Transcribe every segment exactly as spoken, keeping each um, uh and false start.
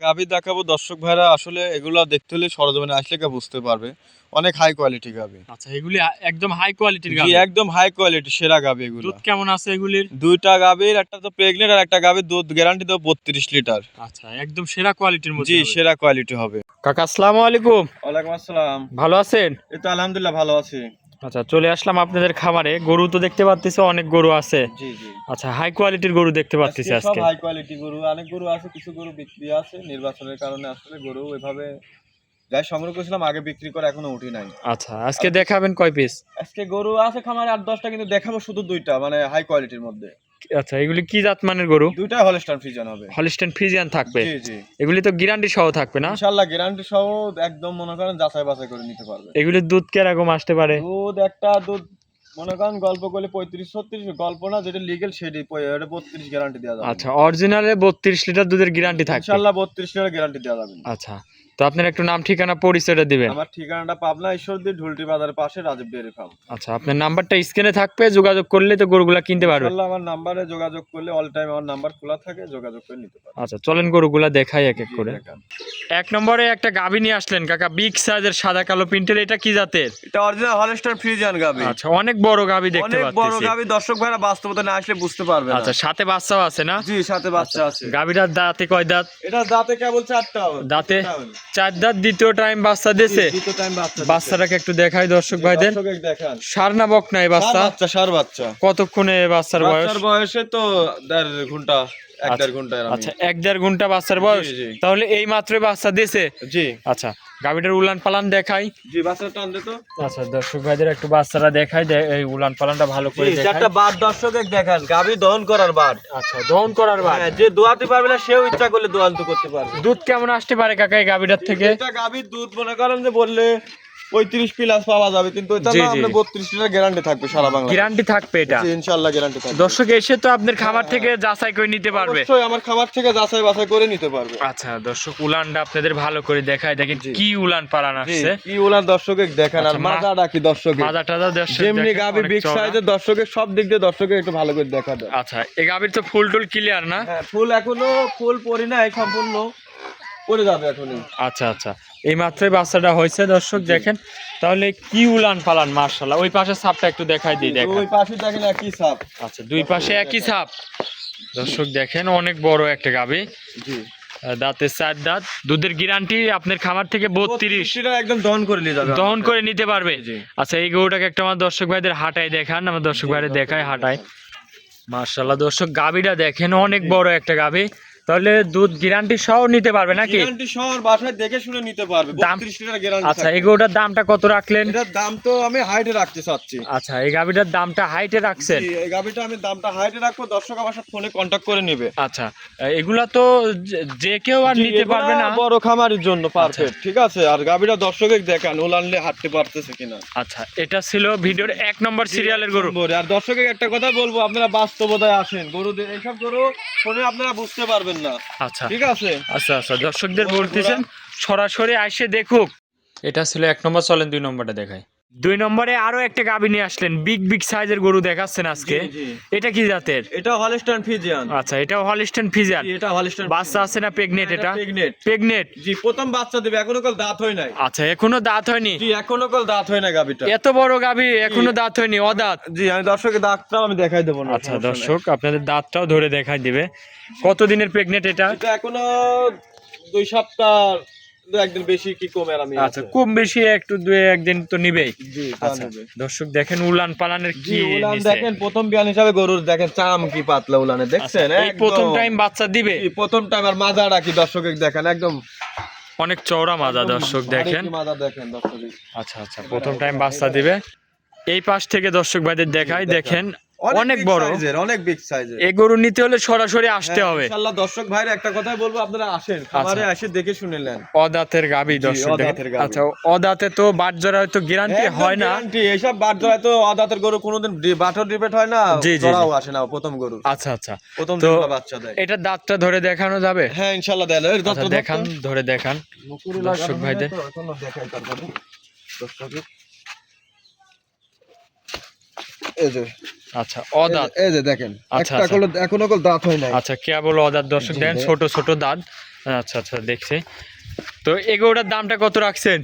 গাভী দেখাবো দর্শক ভাইরা, আসলে এগুলো দেখতে হলে সরজমিনে আসলে কেউ বুঝতে পারবে। অনেক হাই কোয়ালিটি গাভী। আচ্ছা, এগুলি একদম হাই কোয়ালিটির জি, গাভী। একদম হাই কোয়ালিটি সেরা গাভী এগুলো। দুধ কেমন আছে এগুলির? দুইটা গাভীর, একটা তো প্রেগনেন্ট আর একটা গাভীর দুধ গ্যারান্টি দেবো বত্রিশ লিটার। আচ্ছা, একদম সেরা কোয়ালিটির মধ্যে জি, হবে। সেরা কোয়ালিটি হবে। কাকা আসসালামু আলাইকুম। ওয়ালাইকুম আসসালাম। ভালো আছেন? এই তো আলহামদুলিল্লাহ ভালো আছি। আচ্ছা, চলে আসলাম আপনাদের খামারে। গরু তো দেখতে পাচ্ছি অনেক গরু আছে। জি জি। আচ্ছা, হাই কোয়ালিটির গরু দেখতে পাচ্ছি আজকে সব আজকে। হাই কোয়ালিটি গরু, অনেক গরু আছে, কিছু গরু বিক্রি আছে নির্বাচনের কারণে। আসলে গরু ওইভাবে যাই সংগ্রহ করেছিলাম আগে বিক্রি করে এখনো উঠি নাই। আচ্ছা, আজকে দেখাবেন কয় পিস? আজকে গরু আছে খামারে আট দশটা, কিন্তু দেখাবো শুধু দুইটা, মানে হাই কোয়ালিটির মধ্যে। আচ্ছা, এগুলি কি জাত মানের গরু? দুইটা হলস্টাইন ফ্রিজিয়ান হবে। হলিস্টাইন ফ্রিজিয়ান থাকবে? জি জি। এগুলি তো গ্যারান্টি সহ থাকবে না? ইনশাআল্লাহ গ্যারান্টি সহ একদম মনে করেন যাচাই বাছাই করে নিতে পারবে। এগুলির দুধ কিরকম আসতে পারে? দুধ একটা দুধ মনে করেন গল্প করলে পঁয়ত্রিশ ছত্রিশ, গল্প না, যেটা লিগেল সেটি বত্রিশ গ্যারান্টি দেওয়া যাবে। আচ্ছা, অরিজিনালে বত্রিশ লিটার দুধের গ্যারান্টি থাকবে? ইনশাআল্লাহ বত্রিশ লিটার গ্যারান্টি দেওয়া যাবে। আচ্ছা, তো আপনার একটু নাম ঠিকানা পরিচয়টা দিবেন। আমার ঠিকানাটা পাবনা ঈশ্বরদী ঢুলটি বাজারের পাশে রাজীব ডেয়ারি ফার্ম। আচ্ছা, আপনার নাম্বারটা স্ক্রিনে থাকবে, যোগাযোগ করলে তো গরুগুলা কিনতে পারবে। ইনশাআল্লাহ আমার নাম্বারে যোগাযোগ করলে অল টাইম আমার নাম্বার খোলা থাকে, যোগাযোগ করে নিতে পারবে। আচ্ছা, চলেন গরুগুলা দেখাই এক এক জি, করে। দেখান। এক নম্বরে একটা গাভী নিয়ে আসলেন কাকা, বিগ সাইজের সাদা কালো প্রিন্টের। এটা কি জাতের? এটা অরিজিনাল হলস্টাইন ফ্রিজিয়ান গাভী। আচ্ছা, অনেক বড় গাভী দেখতে অনেক বড় পাচ্ছি। গাভী, দর্শক ভাইরা বাস্তবতা না আসলে বুঝতে পারবে না। আচ্ছা, সাথে বাচ্চাও আছে না? জি, সাথে বাচ্চা আছে। গাভীটার দাঁতে কয় দাঁত? এটা দাঁতে কেবল চারটা হবে। দাঁতে চার দাঁত, দ্বিতীয় টাইম বাচ্চা দিয়েছে। দ্বিতীয় টাইম বাচ্চা। বাচ্চাটাকে একটু দেখাই দর্শক ভাইদের। দর্শককে দেখান। সার না বক নাই বাচ্চা? ষাঁড় বাচ্চা, ষাঁড় বাচ্চা। কতক্ষণে বাচ্চার বয়স? বাচ্চার বয়সে তো দেড় ঘন্টা, এক আচ্ছা, দেড় ঘন্টা এরকম। আচ্ছা, এক দেড় ঘন্টা বাচ্চার বয়স। জি, জি। তাহলে এই মাত্রই বাচ্চা দিয়েছে? জি আচ্ছা, গাভীটার উলান পালান দেখাই। জি, বাচ্চাটা টান দে তো। আচ্ছা, দর্শক ভাইদের একটু বাচ্চারা দেখাই, দে- এই উলান পালানটা ভালো করে জি, দেখাই। চারটা বাদ দর্শকে দেখান, গাভী দহন করার বাদ। আচ্ছা, দহন করার বাদ। হ্যাঁ, যে দোয়াতে পারবে না সেও ইচ্ছা করলে দোয়ান্ত করতে পারবে। দুধ কেমন আসতে পারে কাকা এই গাভীটার থেকে? এটা গাভীর দুধ মনে করেন যে বললে পঁয়ত্রিশ প্লাস পাওয়া যাবে, কিন্তু এটা জি, না, জি। আমরা বত্রিশ লিটার গ্যারান্টি থাকবে সারা বাংলা। গ্যারান্টি থাকবে এটা? জি, ইনশাআল্লাহ গ্যারান্টি থাকবে। দর্শক এসে তো আপনার খামার থেকে যাচাই করে নিতে পারবে। অবশ্যই আমার খাবার থেকে যাচাই বাছাই করে নিতে পারবে। আচ্ছা, দর্শক উলানটা আপনাদের ভালো করে দেখাই, দেখেন জি। কি উলান পালান জি, আসছে। কি ওলার দর্শকে দেখান। আর আচ্ছা, মা- মাজা রাখি দর্শকে, মাজা টাজা দর্শক যেমনি দেখেন, গাভী অনেক বিগ চওড়া। সাইজের দর্শকে সব দিক দিয়ে দর্শকে একটু ভালো করে দেখা দেয়। আচ্ছা, এই গাভীর তো ফুল টুল ক্লিয়ার না? হ্যাঁ, ফুল এখনো ফুল পরি নাই, সম্পূর্ণ পরে যাবে এখনই। আচ্ছা আচ্ছা, এই মাত্রই বাচ্চাটা হয়েছে দর্শক দেখেন। তাহলে কি উলান পালান মাশাআল্লাহ। ওই পাশের ছাপটা একটু দেখাই দিই, দেখেন। ওই পাশে দেখেন একই সাপ। আচ্ছা, দুই পাশে একই ছাপ দর্শক দেখেন, অনেক বড় একটা গাভী। জি, দাঁতের চার দাঁত, দুধের গ্যারান্টি আপনার খামার থেকে বত্রিশ সেটা একদম দহন করে নিয়ে যাবে, দহন করে নিতে পারবে। জি। আচ্ছা, এই গরুটাকে একটা আমার দর্শক ভাইদের হাঁটাই দেখান, আমার দর্শক ভাইদের দেখায় হাঁটায়। মাশাআল্লাহ দর্শক, গাভীটা দেখেন অনেক বড় একটা গাভী। তাহলে দুধ গ্যারান্টি সহ নিতে পারবে নাকি? গ্যারান্টি শহর বাসায় দেখে শুনে নিতে পারবে। দাম- বত্রিশ লিটার গ্যারান্টি। আচ্ছা, এই গরুটার দামটা কত রাখলেন? এটার দাম তো আমি হাইটে রাখতে চাচ্ছি। আচ্ছা, এই গাভীটার দামটা হাইটে রাখছেন? জি, এই গাভীটা আমি দামটা হাইটে রাখবো, দর্শক আমার সাথে ফোনে কন্টাক্ট করে নেবে। আচ্ছা, এগুলা তো যে- যে কেউ আর জি, নিতে এগুলা পারবে না? বড় খামারের জন্য পারফেক্ট, ঠিক আছে। আর গাভীটা দর্শকে দেখান ওলানলে হাঁটতে পারতেছে কিনা। আচ্ছা, এটা ছিল ভিডিওর এক নম্বর সিরিয়ালের গরু। আর দর্শকে একটা কথা বলবো, আপনারা বাস্তবতায় আসেন, গরু দে- এইসব গরু ফোনে আপনারা বুঝতে পারবেন না, আচ্ছা ঠিক আছে। আচ্ছা আচ্ছা, দর্শকদের বলতেছেন সরাসরি আইসে দেখুক। এটা ছিল এক নম্বর, চলেন দুই নম্বরটা দেখাই। দুই নম্বরে আরো একটা গাভী নিয়ে আসলেন, বিগ বিগ সাইজের গরু দেখাচ্ছেন আজকে। জি, জি। এটা কি জাতের? এটা হলস্টাইন ফ্রিজিয়ান। আচ্ছা, এটাও হলিস্টাইন ফ্রিজিয়ান। জি, এটা হলস্টাইন। বাচ্চা আছে না প্রেগনেট? এটা প্রেগনেট। প্রেগনেট। জি, প্রথম বাচ্চা দেবে, এখনো কাল দাঁত হয় নাই। আচ্ছা, এখনো দাঁত হয়নি? জি, এখনো কাল দাঁত হয় না গাভীটা। এত বড় গাভী এখনো দাঁত হয়নি, অদাঁত? জি, আমি দর্শকের দাঁতটাও আমি দেখাই দেবো না। আচ্ছা দর্শক, আপনাদের দাঁতটাও ধরে দেখাই দিবে। কতদিনের প্রেগনেট এটা? এটা এখনো দুই সপ্তাহ, দু একদিন বেশি কি কমে আর আমি। আচ্ছা, কম বেশি একটু দুই একদিন তো নিবেই। জি, তা আচ্ছা নেবে। দর্শক দেখেন উলান পালানের জি, কি উলান নিছে। দেখেন, প্রথম বিয়ান হিসাবে গরুর দেখেন চাম কি পাতলা উলানে, আচ্ছা, দেখছেন? এই একদম। প্রথম টাইম বাচ্চা দিবে? জি, প্রথম টাইম। আর মাজাটা কি দর্শকে দেখেন, একদম অনেক চওড়া মাজা দর্শক দেখেন। মাজা দেখেন দর্শকে। আচ্ছা আচ্ছা, প্রথম টাইম বাচ্চা দিবে। এই পাশ থেকে দর্শক ভাইদের দেখাই, দেখেন অনেক big বড়। size এর, অনেক বিগ সাইজের। এই গরু নিতে হলে সরাসরি আসতে হ্যাঁ, হবে। ইনশাআল্লাহ দর্শক ভাইরা একটা কথাই বলবো, আপনারা আসেন খামারে, এসে দেখে শুনে নেন। অদাঁতের গাভী জি, দর্শক দেখেন। অদাঁতের গাভী। আচ্ছা, অদাঁতে তো বাট জরা হয়তো গ্যারান্টি একদম হয় না? guarantee, এইসব বাট জড়ায় তো অদাঁতের গরু কোনোদিন বাটর রিপেট হয় না, জি, জি, জি। জড়াও আসে না প্রথম গরু। আচ্ছা আচ্ছা, প্রথম তো দিনটা বাচ্চা দেয়। এটা দাঁতটা ধরে দেখানো যাবে? হ্যাঁ, ইনশাআল্লাহ দেয়। এর আচ্ছা, দত্ত দেখান, ধরে দেখান দর্শক ভাইদের। দেখাই তারপরে দর্শকে। এই যে, আচ্ছা, অদাঁত। এই যে দেখেন, আচ্ছা, একটা আচ্ছা। কল এখনো কল দাঁত হয় নাই। আচ্ছা, কেবল অদাঁত দর্শক জি, দেখেন, দেখ। ছোট ছোট দাঁত। আচ্ছা আচ্ছা দেখছি। তো এই গরুটার দামটা কত রাখছেন?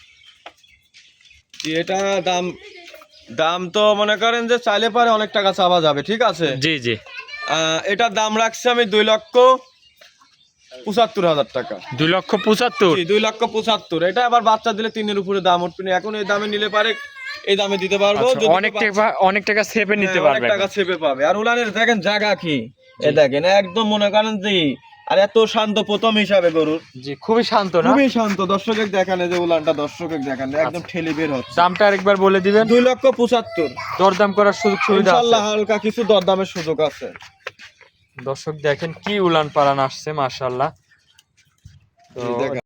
এটা দাম দাম তো মনে করেন যে চাইলে পারে অনেক টাকা চাওয়া যাবে, ঠিক আছে। জি জি। আহ, এটার দাম রাখছি আমি দুই লক্ষ পঁচাত্তর হাজার টাকা। দুই লক্ষ পঁচাত্তর? জি, দুই লক্ষ পঁচাত্তর। এটা আবার বাচ্চা দিলে তিনের উপরে দাম উঠবে না। এখন এই দামে নিলে পারে এই দামে দিতে পারবো। আচ্ছা, যদি অনেক বাচ্চা- টাকা অনেক টাকা সেভে নিতে হ্যাঁ, অনেক পারবে। টাকা ছেপে পাবে। আর উলানের দেখেন জায়গা কি, এ দেখেন একদম মনে করেন যে, আর এত শান্ত প্রথম হিসাবে গরুর, জি খুবই শান্ত না? খুবই শান্ত। দর্শকের দেখানে যে উলানটা দর্শকের দেখানে একদম ঠেলে বের হচ্ছে। দামটা আরেকবার বলে দিবেন। দুই লক্ষ পঁচাত্তর। দরদাম করার সুযোগ সুবিধা আছে? ইনশাআল্লাহ হালকা কিছু দরদামের সুযোগ আছে। দর্শক দেখেন কি উলান পালান আসছে, মাশাআল্লাহ। তো জি, দেখেন।